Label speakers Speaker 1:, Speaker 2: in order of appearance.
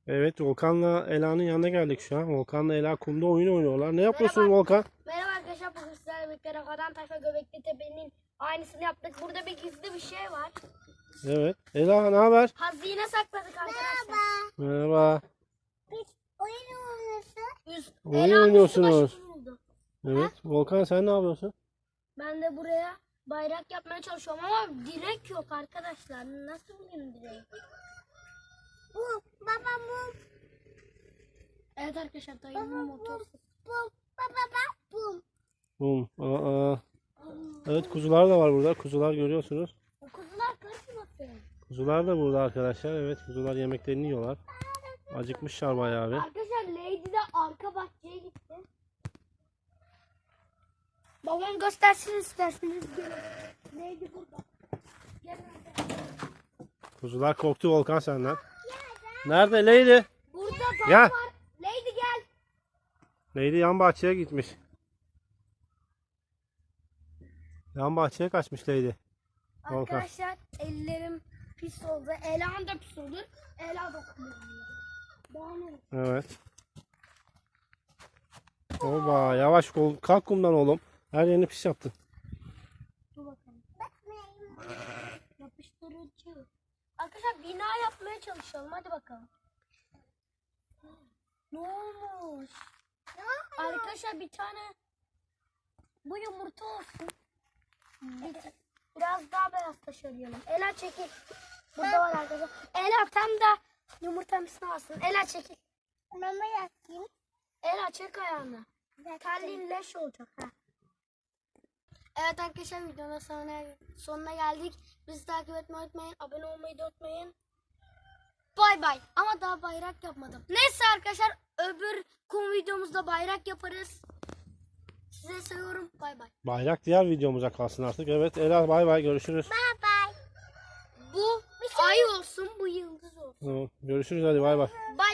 Speaker 1: Evet, Volkan'la Ela'nın yanına geldik şu an. Volkan'la Ela kumda oyun oynuyorlar. Ne yapıyorsun
Speaker 2: Merhaba.
Speaker 1: Volkan?
Speaker 2: Merhaba arkadaşlar, bugün sizlerle birlikte Rafadan Tayfa Göbekli Tepe'nin aynısını yaptık. Burada bir gizli bir şey var.
Speaker 1: Evet. Ela ne haber?
Speaker 2: Hazine sakladık arkadaşlar.
Speaker 1: Merhaba.
Speaker 2: Biz oyun oynuyoruz.
Speaker 1: Oyun oynuyorsunuz.
Speaker 2: Buldu.
Speaker 1: Evet. Volkan sen ne yapıyorsun?
Speaker 2: Ben de buraya bayrak yapmaya çalışıyorum ama direk yok arkadaşlar. Nasıl bulayım direği? Bu baba bu. Evet arkadaşlar, dayımın motoru. Bum.
Speaker 1: Bum. Aa. Evet, kuzular da var burada. Kuzular görüyorsunuz.
Speaker 2: Kuzular kaçmasın.
Speaker 1: Kuzular da burada arkadaşlar. Evet, kuzular yemeklerini yiyorlar. Acıkmışlar bayağı bir.
Speaker 2: Arkadaşlar Lady de arka bahçeye gitti. Babam göstersin isterseniz, gelin. Lady burada. Gelin hadi.
Speaker 1: Kuzular korktu Volkan senden. Nerede Lady?
Speaker 2: Burada dam
Speaker 1: Gel.
Speaker 2: var. Lady gel.
Speaker 1: Lady yan bahçeye gitmiş. Yan bahçeye kaçmış Lady. Volkan.
Speaker 2: Arkadaşlar ellerim pis oldu. Ela'm da pis oldu. Ela dokunuyor. Daha ne?
Speaker 1: Evet. Oba, yavaş kalk kumdan oğlum. Her yerini pis yaptın.
Speaker 2: Dur bakalım. Yapıştırıcı. Arkadaşlar bina yapmaya çalışalım. Hadi bakalım. Ne olmuş? Arkadaşlar bir tane bu yumurta olsun. Biraz daha beyaz taş arayalım. Ela çekil. Burada var arkadaşlar. Ela tam da yumurtamızı alsın. Ela çekil. Mama yapayım. Ela çek ayağını. Terliğin leş olacak. Ha. Evet arkadaşlar, videonun sonuna geldik. Bizi takip etmeyi unutmayın. Abone olmayı da unutmayın. Bay bay. Ama daha bayrak yapmadım. Neyse arkadaşlar, öbür kum videomuzda bayrak yaparız. Size seviyorum. Bay bay.
Speaker 1: Bayrak diğer videomuza kalsın artık. Evet Ela, bay bay, görüşürüz.
Speaker 2: Bay bay. Bu ay olsun, bu yıldız olsun.
Speaker 1: Tamam, görüşürüz, hadi bay bay.
Speaker 2: Bay